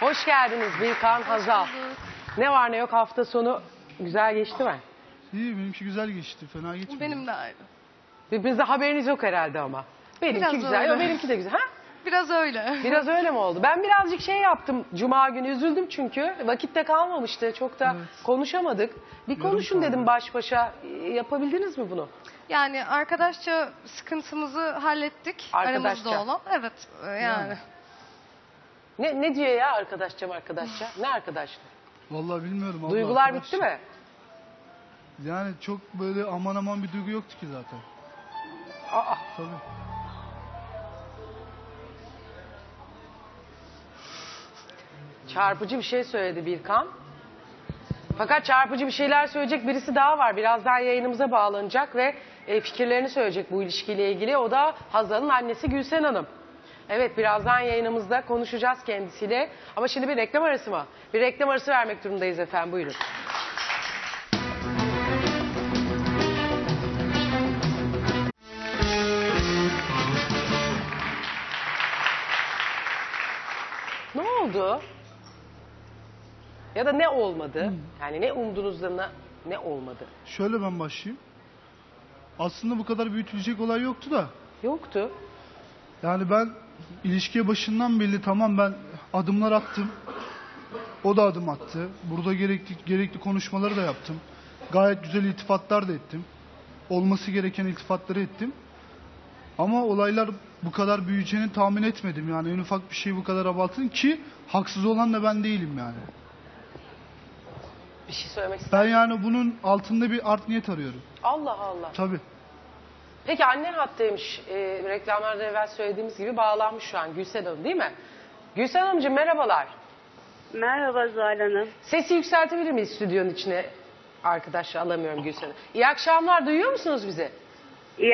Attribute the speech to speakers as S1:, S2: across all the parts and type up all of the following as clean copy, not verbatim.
S1: Hoş geldiniz Birkan, Hazal. Ne var ne yok hafta sonu güzel geçti mi?
S2: İyi, benimki güzel geçti. Fena geçmedi.
S3: Benim de aynı.
S1: Birbirinizde haberiniz yok herhalde ama. Benimki
S3: Biraz
S1: güzel,
S3: öyle.
S1: yok, benimki de güzel. Ha?
S3: Biraz öyle.
S1: Biraz öyle mi oldu? Ben birazcık şey yaptım Cuma günü, üzüldüm çünkü. Vakitte kalmamıştı, çok da konuşamadık. Bir konuşun
S2: kaldı.
S1: dedim baş başa. Yapabildiniz mi bunu?
S3: Yani arkadaşça sıkıntımızı hallettik.
S1: Arkadaşça.
S3: Aramızda olan. Evet yani.
S1: Ne diyor ya arkadaşça? Ne arkadaşlığı?
S2: Vallahi bilmiyorum. abla,
S1: Duygular
S2: arkadaş.
S1: bitti mi?
S2: Yani çok böyle aman aman bir duygu yoktu ki zaten.
S1: Aa,
S2: Tabii.
S1: çarpıcı bir şey söyledi Birkan. Fakat çarpıcı bir şeyler söyleyecek birisi daha var. Birazdan yayınımıza bağlanacak ve fikirlerini söyleyecek bu ilişkiyle ilgili. O da Hazal'ın annesi Gülsen Hanım. Evet, birazdan yayınımızda konuşacağız kendisiyle. Ama şimdi bir reklam arası mı? Bir reklam arası vermek durumundayız efendim. Buyurun. Ne oldu? Ya da ne olmadı? Yani ne umduğunuzda ne olmadı?
S2: Şöyle ben başlayayım. Aslında bu kadar büyütülecek olay yoktu da.
S1: Yoktu.
S2: Yani ben ilişkiye başından belli tamam ben adımlar attım. O da adım attı. Burada gerekli konuşmaları da yaptım. Gayet güzel iltifatlar da ettim. Olması gereken iltifatları ettim. Ama olaylar bu kadar büyüyeceğini tahmin etmedim. Yani en ufak bir şey bu kadar abartın ki haksız olan da ben değilim yani.
S1: Bir şey söylemek ister
S2: Ben yani bunun altında bir art niyet arıyorum.
S1: Allah Allah.
S2: Tabii.
S1: Peki annen hattaymış. Reklamlarda evvel söylediğimiz gibi bağlanmış şu an Gülsen Hanım değil mi? Gülsen Hanımcığım merhabalar.
S4: Merhaba Zuhal Hanım.
S1: Sesi yükseltebilir miyiz stüdyonun içine? Arkadaşlar alamıyorum Gülsen Hanım. İyi akşamlar, duyuyor musunuz bizi?
S4: İyi.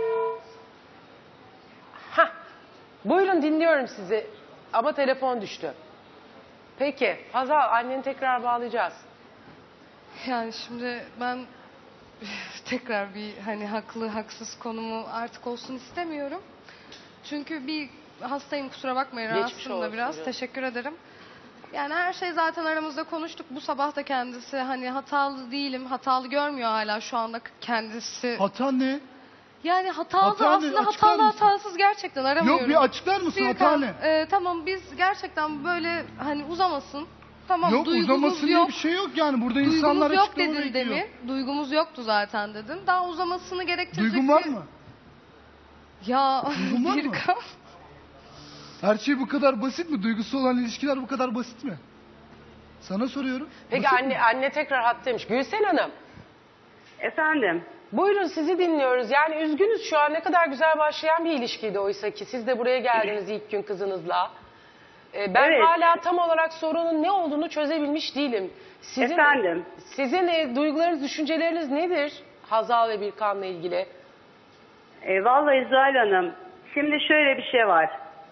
S1: Hah. Buyurun dinliyorum sizi. Ama telefon düştü. Peki Hazal, anneni tekrar bağlayacağız.
S3: Yani şimdi ben tekrar bir hani haklı haksız konumu artık olsun istemiyorum. Çünkü bir hastayım, kusura bakmayın,
S1: Geçmiş
S3: rahatsızım
S1: olsun
S3: da biraz.
S1: canım.
S3: Teşekkür ederim. Yani her şey zaten aramızda konuştuk. Bu sabah da kendisi hani hatalı değilim, hatalı görmüyor hala şu anda kendisi.
S2: Hata ne?
S3: Yani hatalı
S2: Hata ne?
S3: aslında,
S2: Açıklar
S3: hatalı
S2: mısın?
S3: hatasız gerçekten aramıyorum.
S2: Yok bir açıklar mısın hata
S3: Birkan,
S2: ne?
S3: tamam biz gerçekten böyle hani uzamasın. Tamam,
S2: Yok
S3: duygumuz
S2: uzamasın diye
S3: yok.
S2: bir şey yok yani. Burada insanlar
S3: Duygumuz yok
S2: açıklama
S3: dedin
S2: bekliyor.
S3: demin. Duygumuz yoktu zaten dedin. Daha uzamasını gerektirecek
S2: Duygun var mı?
S3: Ya
S2: Duygun var mı?
S3: Birkan.
S2: Her şey bu kadar basit mi? Duygusu olan ilişkiler bu kadar basit mi? Sana soruyorum.
S1: Peki
S2: Basit mi?
S1: anne tekrar hattaymış. Gülsen Hanım.
S4: Efendim.
S1: Buyurun sizi dinliyoruz. Yani üzgünüz şu an, ne kadar güzel başlayan bir ilişkiydi oysa ki. Siz de buraya geldiniz ilk gün kızınızla. Ben
S4: Evet.
S1: hala tam olarak sorunun ne olduğunu çözebilmiş değilim.
S4: Efendim.
S1: Sizin duygularınız, düşünceleriniz nedir Hazal ve Birkan'la ilgili?
S4: Vallahi Zuhal Hanım. Şimdi şöyle bir şey var.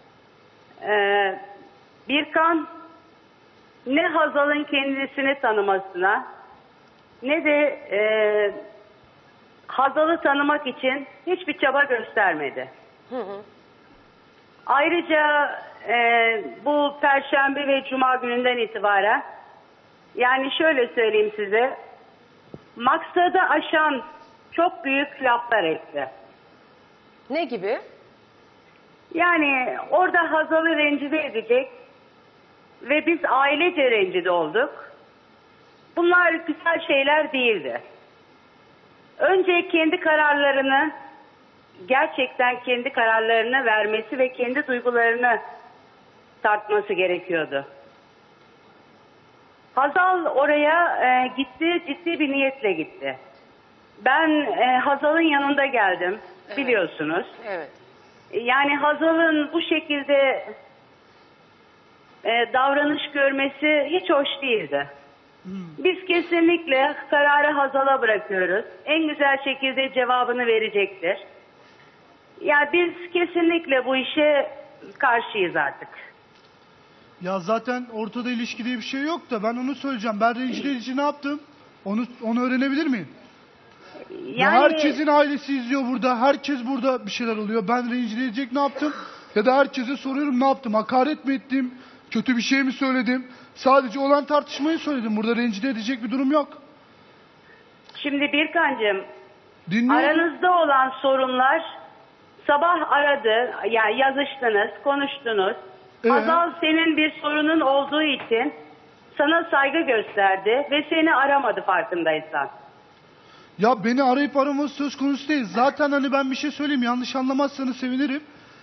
S4: Birkan ne Hazal'ın kendisini tanımasına ne de Hazal'ı tanımak için hiçbir çaba göstermedi. Ayrıca bu Perşembe ve Cuma gününden itibaren yani şöyle söyleyeyim size, maksadı aşan çok büyük laflar etti.
S1: Ne gibi?
S4: Yani orada Hazal'ı rencide edecek ve biz ailece rencide olduk. Bunlar güzel şeyler değildi. Önce kendi kararlarını, gerçekten kendi kararlarını vermesi ve kendi duygularını tartması gerekiyordu. Hazal oraya gitti, ciddi bir niyetle gitti. Ben Hazal'ın yanında geldim, biliyorsunuz.
S1: Evet.
S4: Yani Hazal'ın bu şekilde davranış görmesi hiç hoş değildi. Biz kesinlikle kararı Hazal'a bırakıyoruz. En güzel şekilde cevabını verecektir. Ya biz kesinlikle bu işe karşıyız artık.
S2: Ya zaten ortada ilişki diye bir şey yok da ben onu söyleyeceğim. Ben rencide edici ne yaptım? Onu öğrenebilir miyim? Ya herkesin ailesi izliyor burada. Herkes burada bir şeyler oluyor. Ben rencide edecek ne yaptım? Ya da herkese soruyorum ne yaptım? Hakaret mi ettim? Kötü bir şey mi söyledim? Sadece olan tartışmayı söyledim. Burada rencide edecek bir durum yok.
S4: Şimdi Birkancığım,
S2: Dinliyorum.
S4: aranızda olan sorunlar sabah aradı, yani yazıştınız, konuştunuz. Hazal senin bir sorunun olduğu için sana saygı gösterdi ve seni aramadı farkındaysan.
S2: Ya beni arayıp araması söz konusu değil. Zaten hani ben bir şey söyleyeyim, yanlış anlamazsanız sevinirim.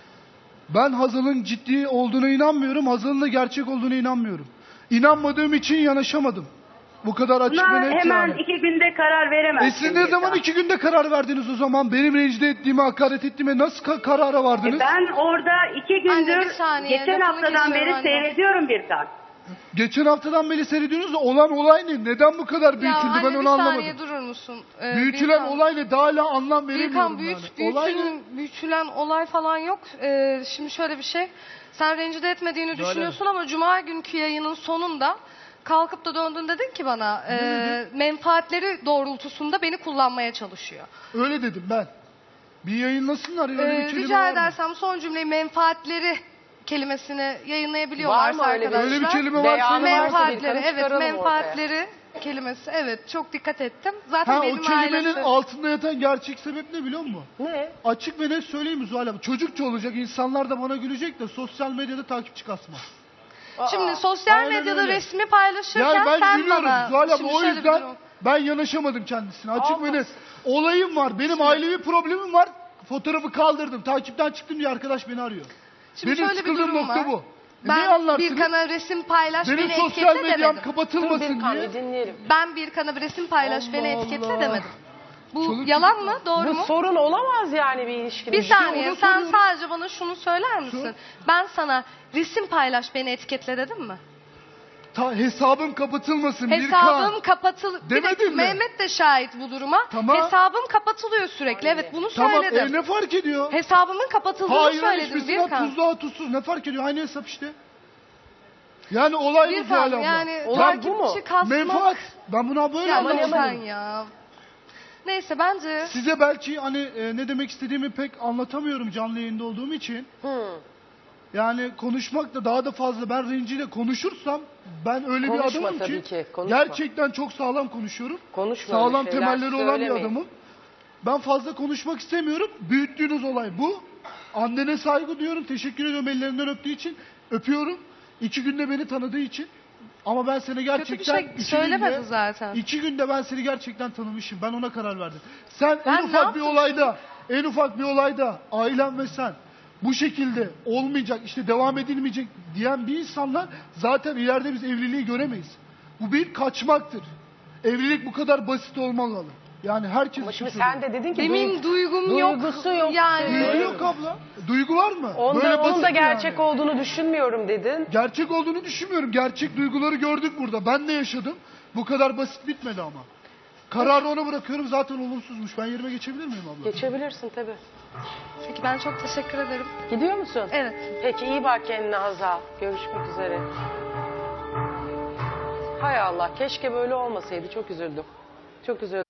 S2: Ben Hazal'ın ciddi olduğuna inanmıyorum. Hazal'ın da gerçek olduğuna inanmıyorum. İnanmadığım için yanaşamadım. Bu kadar açık
S4: Buna
S2: ve net
S4: hemen
S2: yani.
S4: 2 günde karar veremezsin.
S2: Siz ne zaman
S4: Birkan.
S2: 2 günde karar verdiniz o zaman? Benim rencide ettiğime, hakaret ettiğime nasıl karara vardınız?
S4: Ben orada 2
S3: Anne,
S4: gündür
S3: bir saniye,
S4: geçen
S3: lafını
S4: haftadan
S3: kesiyorum
S4: beri
S3: anne.
S4: seyrediyorum Birkan.
S2: Geçen haftadan beri seyrediyorsunuz da olan olay ne? Neden bu kadar
S3: Ya
S2: büyütüldü
S3: anne
S2: ben
S3: bir
S2: onu anlamadım.
S3: saniye durur musun?
S2: Büyütülen
S3: Birkan.
S2: olay ne? Daha hala anlam veremiyorum
S3: Birkan
S2: yani. Olay ne?
S3: büyütülen olay falan yok. Şimdi şöyle bir şey. Sen rencide etmediğini
S2: Böyle.
S3: düşünüyorsun ama cuma günkü yayının sonunda kalkıp da döndün dedin ki bana menfaatleri doğrultusunda beni kullanmaya çalışıyor.
S2: Öyle dedim ben. Bir yayınlasınlar ya, öyle bir kelime
S3: Rica
S2: var mı?
S3: edersem son cümleyi menfaatleri kelimesini
S1: Var
S3: yayınlayabiliyorlarsa
S1: mı öyle bir-
S3: arkadaşlar.
S2: Öyle bir kelime var.
S1: Beyanı
S2: söyle
S1: varsa
S2: bana.
S1: bir
S3: Menfaatleri,
S1: kanı
S3: evet,
S1: çıkaralım
S3: menfaatleri kelimesi, evet, çok dikkat ettim. Zaten
S2: Ha, o
S3: benim
S2: kelimenin
S3: ailesi...
S2: altında yatan gerçek sebep ne biliyor musun?
S1: Ne?
S2: Açık ve net söyleyeyim mi Zuhal abla? Çocukça olacak, insanlar da bana gülecek de sosyal medyada takipçi kasma.
S3: Şimdi sosyal
S2: Aynen
S3: medyada
S2: öyle.
S3: resmi paylaşırken
S2: Yani ben
S3: sen
S2: gülüyorum
S3: bana...
S2: Zuhal abla,
S3: Şimdi
S2: o
S3: şöyle bir
S2: yüzden
S3: durum.
S2: ben yanaşamadım kendisine. Açık ve
S1: Allah.
S2: net. Olayım var, benim ailevi problemim var. Fotoğrafı kaldırdım, takipten çıktım diye arkadaş beni arıyor.
S3: Şimdi
S2: Benim
S3: şöyle bir
S2: sıkıldığım
S3: durum
S2: nokta
S3: var.
S2: bu. Ne
S3: Ben
S2: anlarsınız?
S3: bir kana resim paylaş,
S2: Benim
S3: beni
S2: sosyal
S3: etiketle
S2: medyam
S3: demedim.
S1: Dur
S2: kapatılmasın
S1: Birkan
S2: diye.
S1: bir dinleyelim.
S3: Ben bir kana bir resim paylaş, beni
S2: Allah
S3: etiketle
S2: Allah.
S3: demedim. Bu
S2: Çoluk
S3: yalan
S2: çocuk
S3: mı? Doğru
S1: Bu
S3: mu?
S1: sorun olamaz yani bir ilişkinin.
S3: Bir saniye,
S2: onu
S3: sen
S2: soruyorum.
S3: sadece bana şunu söyler misin? Ben sana resim paylaş, beni etiketle dedim mi?
S2: Hesabım kapatılmasın
S3: Hesabım
S2: Birkan.
S3: kapatıl... Bir
S2: Demedin
S3: dakika,
S2: mi?
S3: Mehmet de şahit bu duruma.
S2: Tamam.
S3: Hesabım kapatılıyor sürekli. Evet, bunu
S2: Tamam,
S3: söyledim.
S2: ne fark ediyor?
S3: Hesabımın kapatıldığını
S2: Hayır,
S3: söyledim
S2: hiçbirisinden
S3: Birkan.
S2: tuzluğa tuzsuz. Ne fark ediyor? Aynı hesap işte. Yani olay bu Zuhal
S3: Birkan
S2: abla.
S3: yani
S1: Olay bu mu?
S3: takipçi kasmak...
S2: Menfaat. Ben buna böyle
S3: Ya
S2: anlamadım.
S3: lütfen ya. Neyse bence...
S2: Size belki hani ne demek istediğimi pek anlatamıyorum canlı yayında olduğum için. Yani konuşmak da daha da fazla, ben renciyle konuşursam ben öyle
S1: Konuşma
S2: bir adamım
S1: tabii
S2: ki,
S1: ki, konuşma.
S2: gerçekten çok sağlam konuşuyorum.
S1: Konuşma öyle
S2: Sağlam
S1: şeyler
S2: temelleri olan bir
S1: söylemeyin.
S2: adamım. Ben fazla konuşmak istemiyorum. Büyüttüğünüz olay bu. Annene saygı duyuyorum. Teşekkür ediyorum ellerinden öptüğü için. Öpüyorum. 2 günde beni tanıdığı için. Ama ben seni gerçekten...
S3: Kötü bir şey
S2: 2
S3: söylemedi
S2: günde,
S3: zaten.
S2: 2 günde ben seni gerçekten tanımışım. Ben ona karar verdim. Sen
S3: Ben
S2: en
S3: ne
S2: ufak bir
S3: yaptım
S2: olayda, en ufak bir olayda ailem ve sen bu şekilde olmayacak, işte devam edilmeyecek diyen bir insanla zaten ileride biz evliliği göremeyiz. Bu bir kaçmaktır. Evlilik bu kadar basit olmamalı. Yani herkes
S1: Ama şimdi
S2: için
S1: sen de dedin ki
S3: Benim duygum yok.
S1: duygusu yok.
S3: Yani.
S2: Duygu yok abla. Duygu var mı?
S1: Onun
S2: basit
S1: da gerçek
S2: yani.
S1: olduğunu düşünmüyorum dedin.
S2: Gerçek olduğunu düşünmüyorum. Gerçek duyguları gördük burada. Ben de yaşadım. Bu kadar basit bitmedi ama. Kararı ona bırakıyorum, zaten olumsuzmuş. Ben yerime geçebilir miyim abla?
S1: Geçebilirsin tabii.
S3: Peki ben çok teşekkür ederim.
S1: Gidiyor musun?
S3: Evet.
S1: Peki iyi bak kendine Hazal. Görüşmek üzere. Hay Allah, keşke böyle olmasaydı. Çok üzüldüm. Çok üzüldüm.